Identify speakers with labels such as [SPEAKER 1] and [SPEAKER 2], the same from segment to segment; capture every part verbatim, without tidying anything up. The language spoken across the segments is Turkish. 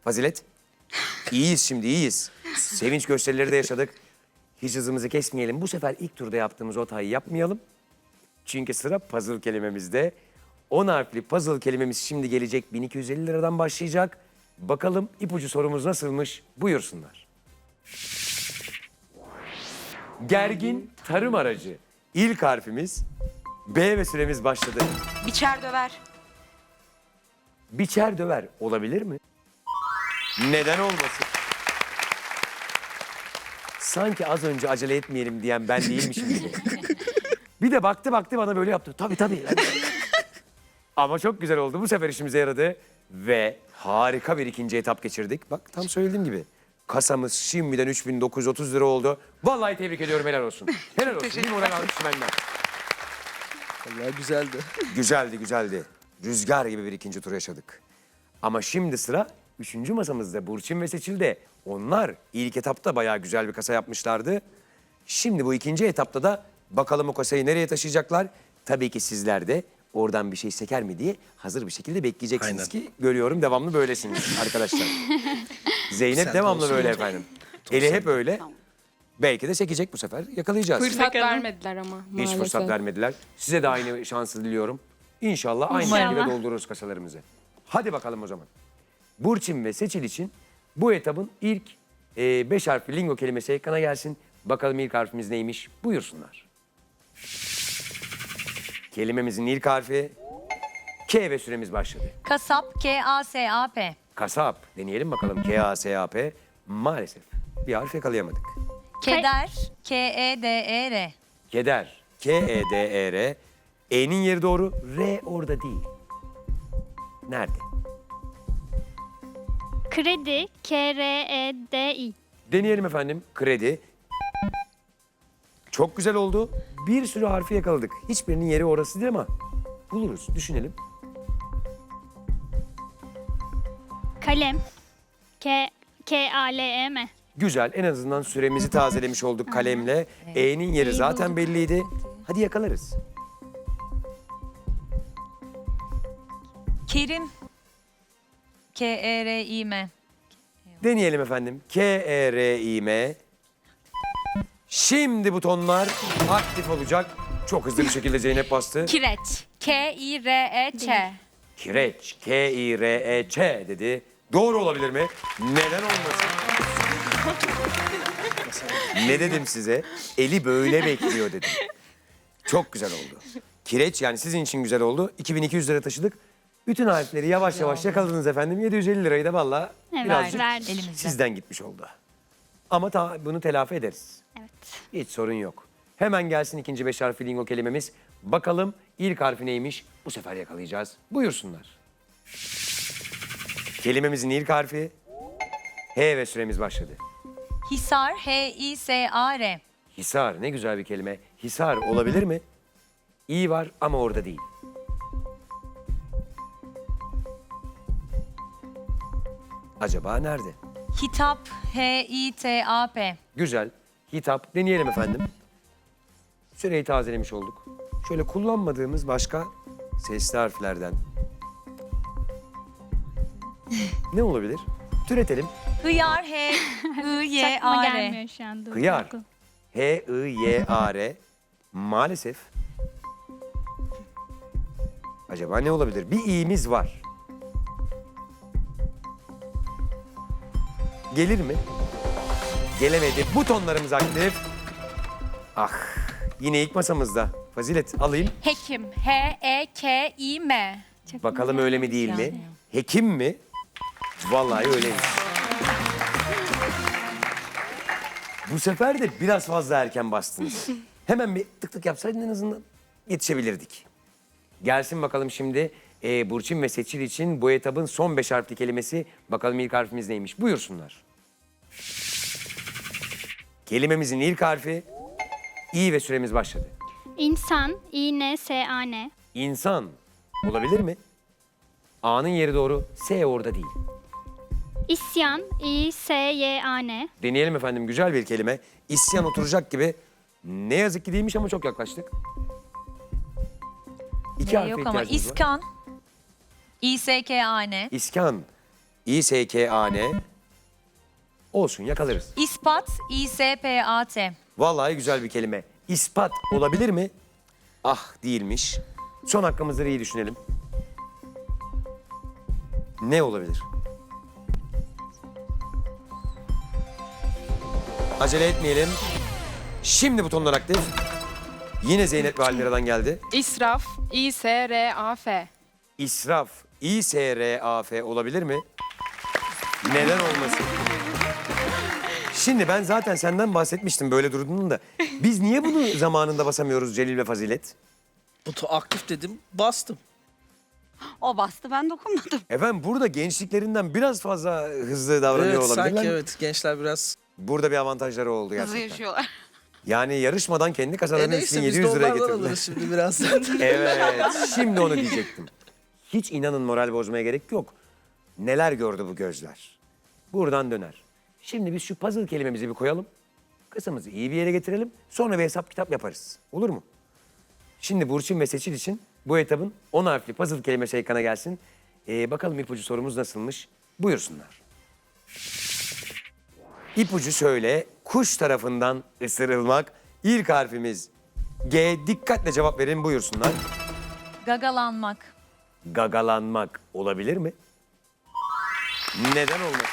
[SPEAKER 1] Fazilet. İyiyiz şimdi, iyiyiz. Sevinç gösterileri de yaşadık. Hiç hızımızı kesmeyelim. Bu sefer ilk turda yaptığımız o hatayı yapmayalım. Çünkü sıra puzzle kelimemizde. on harfli puzzle kelimemiz şimdi gelecek. bin iki yüz elli liradan başlayacak. Bakalım ipucu sorumuz nasılmış? Buyursunlar. Gergin tarım aracı. İlk harfimiz B ve süremiz başladı.
[SPEAKER 2] Biçer döver.
[SPEAKER 1] Biçer döver olabilir mi? Neden olmasın? Sanki az önce acele etmeyelim diyen ben değilmişim gibi. Bir de baktı baktı bana böyle yaptı. Tabii tabii. Ama çok güzel oldu. Bu sefer işimize yaradı. Ve harika bir ikinci etap geçirdik. Bak tam söylediğim gibi. Kasamız şimdiden üç bin dokuz yüz otuz lira oldu. Vallahi tebrik ediyorum, helal olsun. Helal olsun. Bir moral almış benden.
[SPEAKER 3] Vallahi güzeldi.
[SPEAKER 1] Güzeldi güzeldi. Rüzgar gibi bir ikinci tur yaşadık. Ama şimdi sıra üçüncü masamızda Burçin ve Seçil'de. Onlar ilk etapta bayağı güzel bir kasa yapmışlardı. Şimdi bu ikinci etapta da bakalım o kasayı nereye taşıyacaklar? Tabii ki sizler de oradan bir şey seker mi diye hazır bir şekilde bekleyeceksiniz
[SPEAKER 3] Aynen.
[SPEAKER 1] ki görüyorum devamlı böylesiniz arkadaşlar. Zeynep
[SPEAKER 3] Sen de
[SPEAKER 1] devamlı
[SPEAKER 3] olsun
[SPEAKER 1] böyle
[SPEAKER 3] hocam.
[SPEAKER 1] efendim. Eli hep öyle. Belki de sekecek bu sefer. Yakalayacağız.
[SPEAKER 4] Fırsat vermediler ama
[SPEAKER 1] Hiç
[SPEAKER 4] maalesef.
[SPEAKER 1] fırsat vermediler. Size de aynı şansı diliyorum. İnşallah aynı
[SPEAKER 4] İnşallah.
[SPEAKER 1] şekilde doldururuz kasalarımızı. Hadi bakalım o zaman. Burçin ve Seçil için bu etabın ilk e, beş harfli lingo kelimesi ekrana gelsin. Bakalım ilk harfimiz neymiş? Buyursunlar. Kelimemizin ilk harfi K ve süremiz başladı.
[SPEAKER 2] Kasap. K A S A P.
[SPEAKER 1] Kasap. Deneyelim bakalım. K A S A P. Maalesef bir harf yakalayamadık.
[SPEAKER 2] Keder. K E D E R.
[SPEAKER 1] Keder. K E D E R. E'nin yeri doğru. R orada değil. Nerede?
[SPEAKER 5] Kredi, K R E D I.
[SPEAKER 1] Deneyelim efendim. Kredi. Çok güzel oldu. Bir sürü harfi yakaladık. Hiçbirinin yeri orası değil ama buluruz. Düşünelim.
[SPEAKER 5] Kalem, K K A L E M.
[SPEAKER 1] Güzel. En azından süremizi tazelemiş olduk kalemle. E'nin yeri zaten belliydi. Hadi yakalarız.
[SPEAKER 2] Kerim. K E R İ M.
[SPEAKER 1] Deneyelim efendim. K E R İ M. Şimdi butonlar aktif olacak. Çok hızlı bir şekilde Zeynep bastı.
[SPEAKER 2] Kireç. K I R E Ç.
[SPEAKER 1] Kireç. K I R E Ç dedi. Doğru olabilir mi? Neden olmasın? Ne dedim size? Eli böyle bekliyor dedim. Çok güzel oldu. Kireç yani sizin için güzel oldu. iki bin iki yüz lira taşıdık. Bütün harfleri yavaş yavaş yakaladınız efendim. yedi yüz elli lirayı da vallahi
[SPEAKER 5] Evet,
[SPEAKER 1] birazcık
[SPEAKER 5] verdik.
[SPEAKER 2] Elimizde.
[SPEAKER 1] sizden gitmiş oldu. Ama ta, bunu telafi ederiz.
[SPEAKER 5] Evet.
[SPEAKER 1] Hiç sorun yok. Hemen gelsin ikinci beş harfli lingo kelimemiz. Bakalım ilk harfi neymiş? Bu sefer yakalayacağız. Buyursunlar. Kelimemizin ilk harfi H ve süremiz başladı.
[SPEAKER 2] Hisar. H İ S A R.
[SPEAKER 1] Hisar ne güzel bir kelime. Hisar olabilir mi? İyi var ama orada değil. Acaba nerede?
[SPEAKER 2] Hitap. H İ T A P.
[SPEAKER 1] Güzel. Hitap. Deneyelim efendim. Süreyi tazelemiş olduk. Şöyle kullanmadığımız başka sesli harflerden. Ne olabilir? Türetelim.
[SPEAKER 2] Hıyar. H I Y
[SPEAKER 5] Aklıma
[SPEAKER 2] A
[SPEAKER 5] gelmiyor
[SPEAKER 2] R.
[SPEAKER 5] şu an. Dur,
[SPEAKER 1] Hıyar.
[SPEAKER 5] dur, dur.
[SPEAKER 1] H I Y A R. Maalesef. Acaba ne olabilir? Bir i'miz var. Gelir mi? Gelemedi. Butonlarımız aktif. Ah, yine ilk masamızda. Fazilet alayım.
[SPEAKER 2] Hekim. H E K İ M.
[SPEAKER 5] Çok
[SPEAKER 1] Bakalım
[SPEAKER 5] güzel.
[SPEAKER 1] öyle mi değil mi? Hekim mi? Vallahi öyleymiş. Bu sefer de biraz fazla erken bastınız. Hemen bir tık tık yapsaydın en azından yetişebilirdik. Gelsin bakalım şimdi e, Burçin ve Seçil için bu etabın son beş harfli kelimesi. Bakalım ilk harfimiz neymiş? Buyursunlar. Kelimemizin ilk harfi İ ve süremiz başladı.
[SPEAKER 5] İnsan, İ N S A N.
[SPEAKER 1] İnsan olabilir mi? A'nın yeri doğru, S orada değil.
[SPEAKER 5] İsyan, İ S Y A N.
[SPEAKER 1] Deneyelim efendim, güzel bir kelime. İsyan oturacak gibi. Ne yazık ki değilmiş ama çok yaklaştık. İki
[SPEAKER 2] Ee,
[SPEAKER 1] harfe
[SPEAKER 2] yok ama
[SPEAKER 1] ihtiyacımız var.
[SPEAKER 2] İskan. İ S K A N.
[SPEAKER 1] İskan. İ S K A N. Olsun yakalarız.
[SPEAKER 2] İspat. İ S P A T.
[SPEAKER 1] Vallahi güzel bir kelime. İspat olabilir mi? Ah değilmiş. Son hakkımızı iyi düşünelim. Ne olabilir? Acele etmeyelim. Şimdi butonlar aktif. Yine Zeynep ve Almira'dan geldi.
[SPEAKER 4] İsraf, İ S R A F.
[SPEAKER 1] İsraf, İ S R A F olabilir mi? Neden olmasın? Şimdi ben zaten senden bahsetmiştim böyle durduğunu da. Biz niye bunu zamanında basamıyoruz Celil ve Fazilet?
[SPEAKER 3] Butu aktif dedim, bastım.
[SPEAKER 6] O bastı, ben dokunmadım.
[SPEAKER 1] Efendim burada gençliklerinden biraz fazla hızlı davranıyor
[SPEAKER 3] Evet,
[SPEAKER 1] olabilirler
[SPEAKER 3] sanki
[SPEAKER 1] mi?
[SPEAKER 3] evet. Gençler biraz...
[SPEAKER 1] Burada bir avantajları oldu
[SPEAKER 6] Hızlı
[SPEAKER 1] gerçekten.
[SPEAKER 6] yaşıyorlar.
[SPEAKER 1] Yani yarışmadan kendi
[SPEAKER 3] E
[SPEAKER 1] kasalarını
[SPEAKER 3] neyse biz
[SPEAKER 1] yedi yüz liraya
[SPEAKER 3] dolardan
[SPEAKER 1] getirdiler.
[SPEAKER 3] alırız şimdi birazdan.
[SPEAKER 1] Evet, şimdi onu diyecektim. Hiç inanın moral bozmaya gerek yok. Neler gördü bu gözler. Buradan döner. Şimdi biz şu puzzle kelimemizi bir koyalım. Kasamızı iyi bir yere getirelim. Sonra bir hesap kitap yaparız. Olur mu? Şimdi Burçin ve Seçil için bu etabın on harfli puzzle kelimesi ekrana gelsin. Ee, bakalım ipucu sorumuz nasılmış? Buyursunlar. İpucu şöyle. Kuş tarafından ısırılmak. İlk harfimiz G. Dikkatle cevap verin buyursunlar.
[SPEAKER 2] Gagalanmak.
[SPEAKER 1] Gagalanmak olabilir mi? Neden olmasın?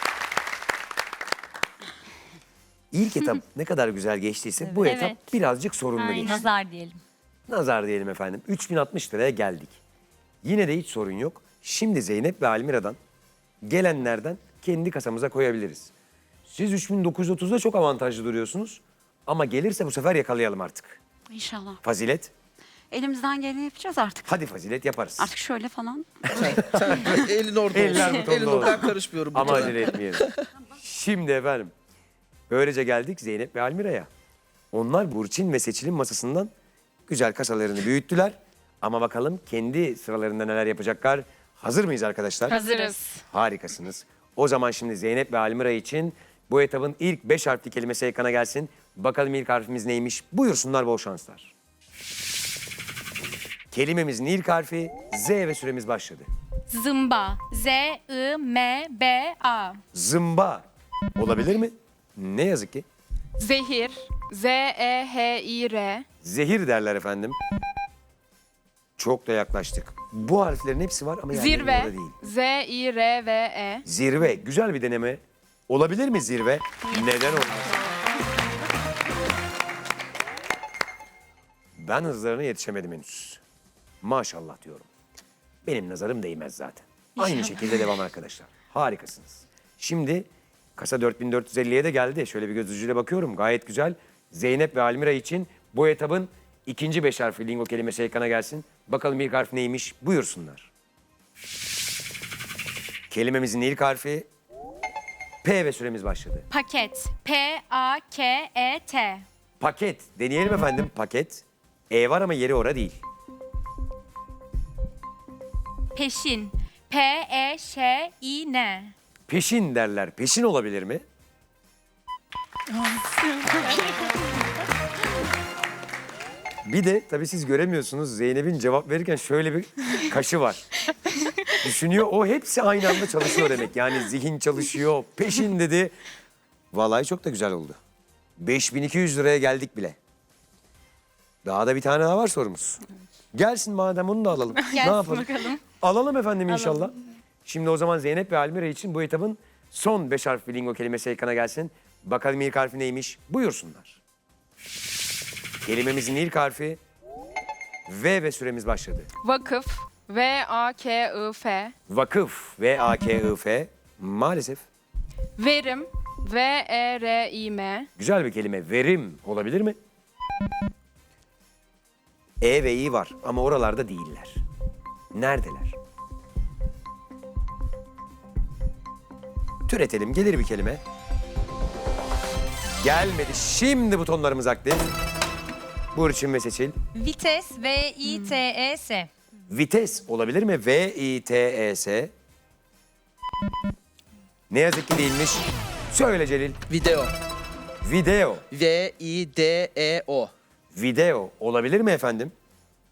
[SPEAKER 1] İlk etap ne kadar güzel geçtiyse bu etap
[SPEAKER 5] Evet.
[SPEAKER 1] birazcık sorunlu
[SPEAKER 5] Aynen.
[SPEAKER 1] geçti.
[SPEAKER 2] Nazar diyelim.
[SPEAKER 1] Nazar diyelim efendim. üç bin altmış liraya geldik. Yine de hiç sorun yok. Şimdi Zeynep ve Almira'dan gelenlerden kendi kasamıza koyabiliriz. Siz üç bin dokuz yüz otuzda çok avantajlı duruyorsunuz. Ama gelirse bu sefer yakalayalım artık.
[SPEAKER 6] İnşallah.
[SPEAKER 1] Fazilet.
[SPEAKER 6] Elimizden geleni yapacağız artık.
[SPEAKER 1] Hadi Fazilet yaparız.
[SPEAKER 6] Artık şöyle falan.
[SPEAKER 3] Elin orada
[SPEAKER 1] Eller
[SPEAKER 3] olsun.
[SPEAKER 1] butonda
[SPEAKER 3] Elin
[SPEAKER 1] olsun.
[SPEAKER 3] orada karışmıyorum.
[SPEAKER 1] Ama
[SPEAKER 3] butona.
[SPEAKER 1] acele etmeyelim. Şimdi efendim. Böylece geldik Zeynep ve Almira'ya. Onlar Burçin ve Seçil'in masasından güzel kasalarını büyüttüler. Ama bakalım kendi sıralarında neler yapacaklar. Hazır mıyız arkadaşlar?
[SPEAKER 4] Hazırız.
[SPEAKER 1] Harikasınız. O zaman şimdi Zeynep ve Almira için bu etabın ilk beş harfli kelimesi ekrana gelsin. Bakalım ilk harfimiz neymiş? Buyursunlar, bol şanslar. Kelimemizin ilk harfi Z ve süremiz başladı.
[SPEAKER 7] Zımba. Z I M B A.
[SPEAKER 1] Zımba olabilir mi? Ne yazık ki.
[SPEAKER 4] Zehir, Z E H I R.
[SPEAKER 1] Zehir derler efendim. Çok da yaklaştık. Bu harflerin hepsi var ama yerleri orada
[SPEAKER 4] Zirve,
[SPEAKER 1] değil.
[SPEAKER 4] Z I R V E.
[SPEAKER 1] Zirve. Güzel bir deneme. Olabilir mi zirve? Neden olmaz? Ben hızlarına yetişemedim henüz. Maşallah diyorum. Benim nazarım değmez zaten. Aynı şekilde devam arkadaşlar. Harikasınız. Şimdi kasa dört bin dört yüz elliye de geldi. Şöyle bir göz ucuyla bakıyorum. Gayet güzel. Zeynep ve Almira için bu etabın ikinci beş harfli lingo kelimesi ekrana gelsin. Bakalım ilk harf neymiş? Buyursunlar. Kelimemizin ilk harfi P ve süremiz başladı.
[SPEAKER 7] Paket. P A K E T.
[SPEAKER 1] Paket. Deneyelim efendim. Paket. E var ama yeri ora değil.
[SPEAKER 7] Peşin. P E Ş İ N.
[SPEAKER 1] Peşin derler. Peşin olabilir mi? Bir de tabii siz göremiyorsunuz. Zeynep'in cevap verirken şöyle bir kaşı var. Düşünüyor. O hepsi aynı anda çalışıyor demek. Yani zihin çalışıyor. Peşin dedi. Vallahi çok da güzel oldu. beş bin iki yüz liraya geldik bile. Daha da bir tane daha var sorumuz. Gelsin madem onu da alalım. ne yapalım?
[SPEAKER 7] bakalım.
[SPEAKER 1] Alalım efendim inşallah. Şimdi o zaman Zeynep ve Almira için bu etabın son beş harfli lingo kelimesi ekrana gelsin. Bakalım ilk harfi neymiş? Buyursunlar. Kelimemizin ilk harfi V ve süremiz başladı.
[SPEAKER 4] Vakıf, V A K I F.
[SPEAKER 1] Vakıf V A K I F. Maalesef
[SPEAKER 4] Verim, V E R İ M.
[SPEAKER 1] güzel bir kelime. Verim olabilir mi? E ve İ var ama oralarda değiller. Neredeler? Türetelim. Gelir bir kelime. Gelmedi. Şimdi butonlarımız aktif. Burçin ve Seçil.
[SPEAKER 2] Vites. V I T E S.
[SPEAKER 1] Vites olabilir mi? V I T E S. Ne yazık ki değilmiş. Söyle Celil.
[SPEAKER 3] Video.
[SPEAKER 1] Video.
[SPEAKER 3] V I D E O.
[SPEAKER 1] Video olabilir mi efendim?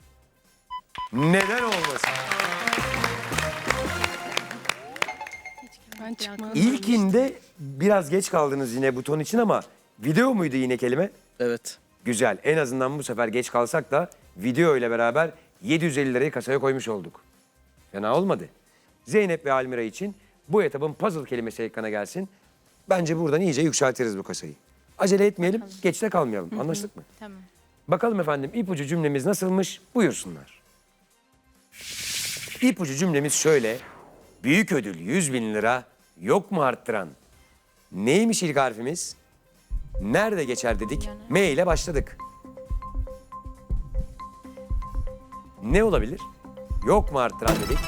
[SPEAKER 1] Neden olmasın?
[SPEAKER 4] Ben çıkmam.
[SPEAKER 1] İlkinde biraz geç kaldınız yine buton için ama video muydu yine kelime?
[SPEAKER 3] Evet.
[SPEAKER 1] Güzel. En azından bu sefer geç kalsak da video ile beraber yedi yüz elli lirayı kasaya koymuş olduk. Fena olmadı. Zeynep ve Almira için bu etabın puzzle kelimesi ekrana gelsin. Bence buradan iyice yükseltiriz bu kasayı. Acele etmeyelim, geçte kalmayalım. Anlaştık mı?
[SPEAKER 4] Tamam.
[SPEAKER 1] Bakalım efendim ipucu cümlemiz nasılmış? Buyursunlar. İpucu cümlemiz şöyle. Büyük ödül yüz bin lira, yok mu arttıran? Neymiş ilk harfimiz? Nerede geçer dedik, M ile başladık. Ne olabilir? Yok mu arttıran dedik.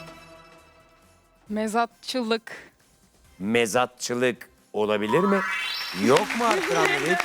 [SPEAKER 4] Mezatçılık.
[SPEAKER 1] Mezatçılık olabilir mi? Yok mu arttıran dedik.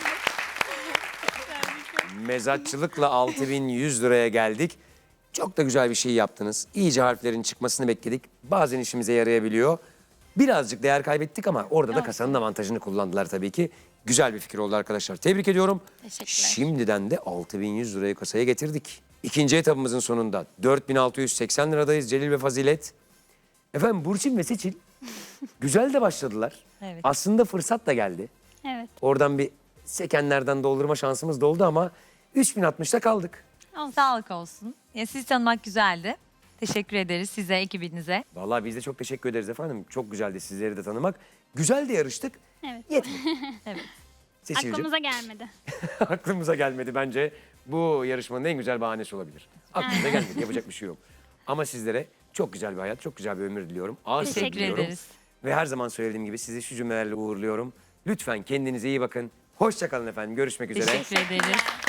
[SPEAKER 1] Mezatçılıkla altı bin yüz liraya geldik. Çok da güzel bir şey yaptınız. İyice harflerin çıkmasını bekledik. Bazen işimize yarayabiliyor. Birazcık değer kaybettik ama orada da kasanın avantajını kullandılar tabii ki. Güzel bir fikir oldu arkadaşlar. Tebrik ediyorum.
[SPEAKER 2] Teşekkürler.
[SPEAKER 1] Şimdiden de altı bin yüz lirayı kasaya getirdik. İkinci etabımızın sonunda dört bin altı yüz seksen liradayız Celil ve Fazilet. Efendim Burçin ve Seçil güzel de başladılar.
[SPEAKER 2] Evet.
[SPEAKER 1] Aslında fırsat da geldi.
[SPEAKER 5] Evet.
[SPEAKER 1] Oradan bir sekenlerden doldurma şansımız da oldu ama üç bin altmışta kaldık.
[SPEAKER 2] Sağlık olsun. Ya, sizi tanımak güzeldi. Teşekkür ederiz size, ekibinize.
[SPEAKER 1] Vallahi biz de çok teşekkür ederiz efendim. Çok güzeldi sizleri de tanımak. Güzel de yarıştık.
[SPEAKER 5] Evet.
[SPEAKER 1] Yetmedi.
[SPEAKER 2] Evet.
[SPEAKER 1] Seçil'cim
[SPEAKER 5] Aklımıza gelmedi.
[SPEAKER 1] aklımıza gelmedi bence. Bu yarışmanın en güzel bahanesi olabilir. Aklımıza gelmedi. Yapacak bir şey yok. Ama sizlere çok güzel bir hayat, çok güzel bir ömür diliyorum. Ağır
[SPEAKER 2] Teşekkür
[SPEAKER 1] sevgi diliyorum.
[SPEAKER 2] ederiz.
[SPEAKER 1] Ve her zaman söylediğim gibi sizi şu cümlelerle uğurluyorum. Lütfen kendinize iyi bakın. Hoşça kalın efendim. Görüşmek üzere.
[SPEAKER 2] Teşekkür ederiz.